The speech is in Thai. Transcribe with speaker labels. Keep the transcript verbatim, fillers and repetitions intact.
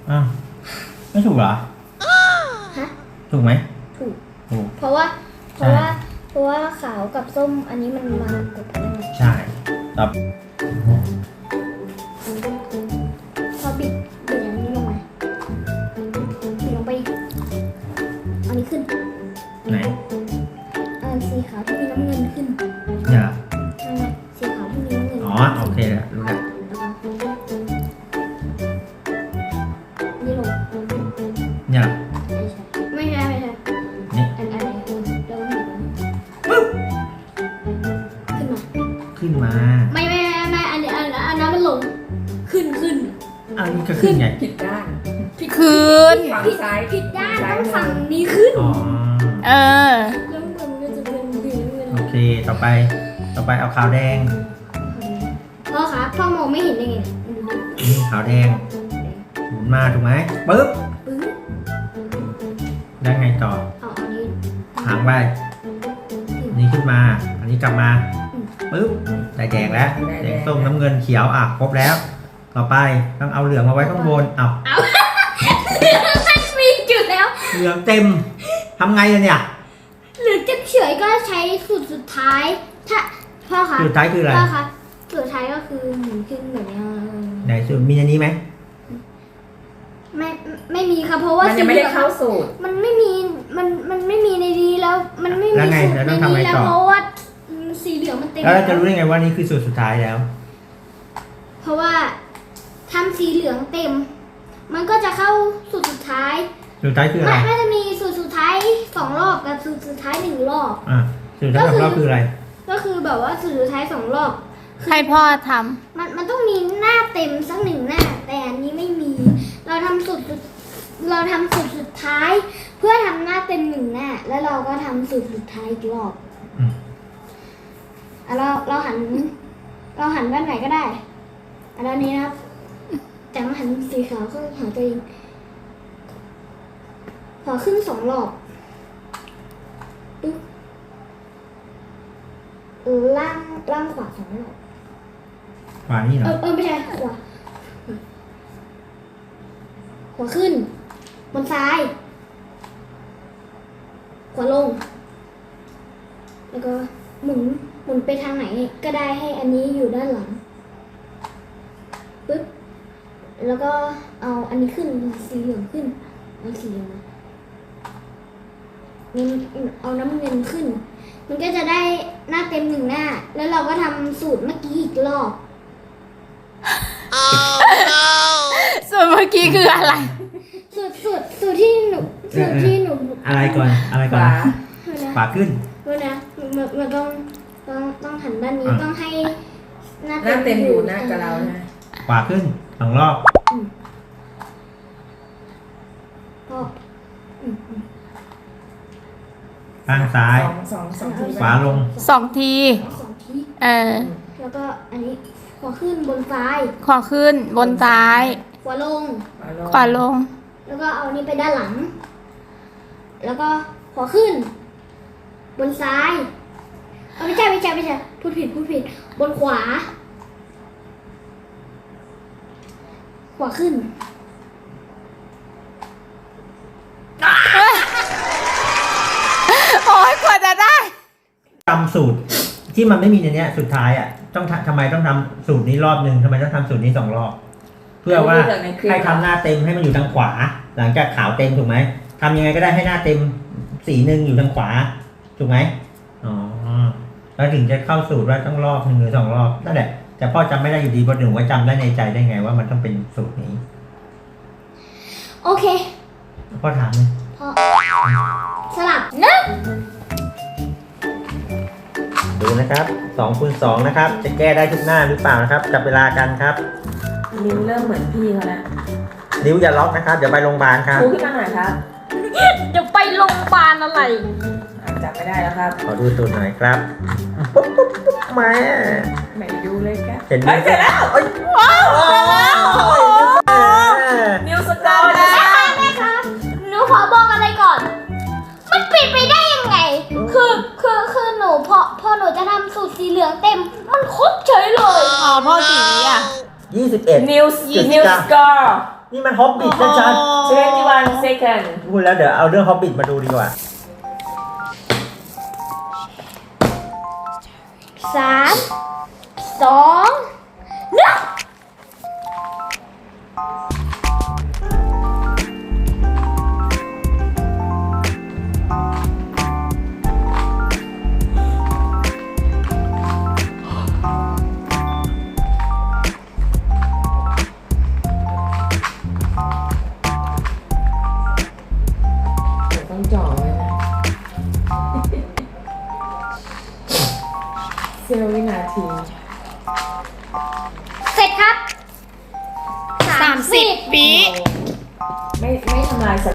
Speaker 1: อ้าวไม่ถูกเหรอ
Speaker 2: ฮะ
Speaker 1: ถูกไหม
Speaker 2: ถูก
Speaker 1: ถูก
Speaker 2: เพราะว่าเพราะว่าเพราะว่าขาวกับส้มอันนี้มันมากดกัน
Speaker 1: ใช่ตอบ
Speaker 2: พอปิดปิดอย่างนี้ลงมาปิดลงไปอันนี้ขึ้น
Speaker 1: ไหน
Speaker 2: อันสีขาวที่มีน้ำเงินขึ้น
Speaker 1: เนี่ย
Speaker 2: นั่นไงสีขาวที่มีน้ำเงิน
Speaker 1: อ๋อโอเคแล้วรู้แล้ว
Speaker 2: นี่ลง
Speaker 1: เนี่ย
Speaker 2: ไม่ใช่ไม่ใช่
Speaker 1: นี่
Speaker 2: อันอันไหนเราหนึ่ง
Speaker 1: ปึ๊บ
Speaker 2: ขึ้นมา
Speaker 1: ขึ้นมา
Speaker 2: ไม่ไม่ไม่อันนี้อันอันนั้นมันลงขึ้นขึ้น
Speaker 1: อันนี้ก็ขึ้นไง
Speaker 3: ผิดด้าน
Speaker 4: คืน
Speaker 3: ฝั่งซ้าย
Speaker 2: ผิดด้านต้องฝั่งนี้ขึ้น
Speaker 1: อ๋อ
Speaker 4: เออ
Speaker 2: แล้วมันก็จะเป็นสีน้ำเงิน
Speaker 1: โอเคต่อไปต่อไปเอาขาวแดง
Speaker 2: พ่อคะพ่อมองไม่เห็นได้ไง
Speaker 1: นี่ขาวแดงหมุนมาถูกไหมปึ๊บ
Speaker 2: ปึ๊บ
Speaker 1: ได้ไงต่อ
Speaker 2: เอาอันนี้
Speaker 1: หางไปนี่ขึ้นมาอันนี้กลับมาปึ๊บได้แดงแล้วแดงส้มน้ำเงินเขียวอ่ะครบแล้วต่อไปต้องเอาเหลืองมาไว้ข้างบนเอา
Speaker 2: เอามันมีจุดแล้ว
Speaker 1: เหลืองเต็มทำไงเนี่ย
Speaker 2: หรือจะเฉยก็ใช้สูตรสุดท้ายถ้าพ่อคะ
Speaker 1: สูตรสุดท้ายคืออะไร
Speaker 2: พ่อคะสูตรสุดท้ายก็คือหมุนขึ้นแบบนี้
Speaker 1: ไหนสูตรมีอันนี้ไหม
Speaker 2: ไม่ไม่มีค่ะเพราะว่า
Speaker 3: มันยังไม่ได้เข้าสูตร
Speaker 2: มันไม่มีมันมันไม่มีในนี้แล้วมันไม่มีสูตรในนี้แล้วเพราะว่าสีเหลืองมันเต็ม
Speaker 1: แล้วเราจะรู้ได้ไงว่านี่คือสูตรสุดท้ายแล้ว
Speaker 2: เพราะว่าทำสีเหลืองเต็มมันก็จะเข้าสูตรสุดท้าย
Speaker 1: สูตรสุดท้ายคืออะไร
Speaker 2: มันจะมีสูตรสุดท้ายสองรอบกับสูตรสุดท้ายหนึ่งรอบ
Speaker 1: อ่ะสูตรสุดท้ายสองรอบคืออะไร
Speaker 2: ก็คือแบบว่าสูตรสุดท้ายสองรอบ
Speaker 4: ให้พ่อท
Speaker 2: ำมันมันต้องมีหน้าเต็มสักหนึ่งหน้าแต่อันนี้ไม่มีเราทำสูตรเราทำสูตรสุดท้ายเพื่อทำหน้าเต็มหนึ่งหน้าแล้วเราก็ทำสูตรสุดท้ายอีกรอบอ่ะเราเราหันเราหันด้านไหนก็ได้อันนี้นะครับแต่มาหันสีขาวก็หาตัวเองขอขึ้นสองรอบปึ๊บล่างล่างขวาสองรอบ
Speaker 1: ขวานี่เหรอ
Speaker 2: เออเออไม่ใช่ขวาขวาขึ้นบนซ้ายขวาลงแล้วก็หมุนหมุนไปทางไหนก็ได้ให้อันนี้อยู่ด้านหลังปึ๊บแล้วก็เอาอันนี้ขึ้นสีเหลืองขึ้นเอาสีเหลืองมาเอาน้ำเงินขึ้นมันก็จะได้หน้าเต็มหนึ่งหน้าแล้วเราก็ทำสูตรเมื่อกี้อีกรอบ
Speaker 4: ส่วนเมื่อกี้คืออะไร
Speaker 2: สูตรสูตรสูตรที่หนูสูตรที่หนู
Speaker 1: อะไรก่อนอะไรก่อนขวาขึ้น
Speaker 2: ด้วยนะมันมันต้องต้องต้องหันด้านนี้ต้องให้
Speaker 3: หน้าเต็มอยู่หน้ากับเรานะ
Speaker 1: ขวาขึ้นสองรอบ
Speaker 2: ก็
Speaker 1: ข้างซ้าย
Speaker 3: สองสองที
Speaker 1: ขวาลง
Speaker 4: สองที
Speaker 2: สองที
Speaker 4: เออ
Speaker 2: แล้วก็อันนี้ขวาขึ้นบนซ้าย
Speaker 4: ขวาขึ้นบนซ้าย
Speaker 2: ขวาลง
Speaker 4: ขวาลง
Speaker 2: แล้วก็เอานี้ไปด้านหลังแล้วก็ขวาขึ้นบนซ้ายเอาไม่ใช่ไม่ใช่ไม่ใช่พูดผิดพูดผิดบนขวาขวาขึ้น
Speaker 4: โอ้ยกว่าจะได้
Speaker 1: จำสูตรที่มันไม่มีในนี้สุดท้ายอ่ะต้องทำไมต้องทำสูตรนี้รอบหนึ่งทำไมต้องทำสูตรนี้สองรอบเพื่อว่าให้ทำหน้าเต็มให้มันอยู่ทางขวาหลังจากขาวเต็มถูกไหมทำยังไงก็ได้ให้หน้าเต็มสีหนึ่งอยู่ทางขวาถูกไหมอ๋อแล้วถึงจะเข้าสูตรว่าต้องรอบหนึ่งหรือสองรอบนั่นแหละแต่พ่อจำไม่ได้อยู่ดีเพราะหนูว่าจำได้ในใจได้ไงว่ามันต้องเป็นสูตรนี้
Speaker 2: โอเค
Speaker 1: พ่อถามเลย
Speaker 2: พ่อสลับหนึ่ง
Speaker 1: ดูนะครับสองคูณสองนะครับจะแก้ได้ทุกหน้าหรือเปล่านะครับจับเวลากันครับ
Speaker 3: นิ้วเริ่มเหมือนพี่เขาแล้ว
Speaker 1: นิ้วอย่าล็อกนะครับเดี๋ยวไปโรงพยาบาลครับ
Speaker 3: ชูขึ้นมาหน่อยครับ
Speaker 4: เดี๋ยวไปโรงพยาบาลอะไร
Speaker 3: จับไม่ได้แล้วครับ
Speaker 1: ขอดูสูตรหน่อยครับปุ๊บปุ๊บปุ๊บมา
Speaker 3: ไหนดูเลยครับ
Speaker 1: เห็นไหม
Speaker 3: เสร็จแล้ว
Speaker 4: ว้าวเสร็จแล้ว
Speaker 3: นิ้วสกอร์แล้ว
Speaker 2: แม่ครับหนูขอบอกอะไรก่อนมันปิดไปได้ยังไงคือคือคือหนูพอพอหนูจะทำสูตรสีเหลืองเต็มมันครบเฉยเลย
Speaker 4: อ๋อพ่อสีนี้อ่ะ
Speaker 1: ยี่สิบเอ็ด
Speaker 3: นิ้วนิ้วสกอร์
Speaker 1: นี่มันฮอบบิทชัด
Speaker 3: twenty-one second
Speaker 1: ๆพูดแล้วเดี๋ยวเอาเรื่องฮอบบิทมาดูดีกว่า
Speaker 2: สามสองหนึ่ง
Speaker 3: เดี๋ยวต้องจ่อไว้นะ เซลล์วินาที
Speaker 2: เสร็จครับ
Speaker 4: สามสิบวิ
Speaker 3: ไม่ไม่ทำลายส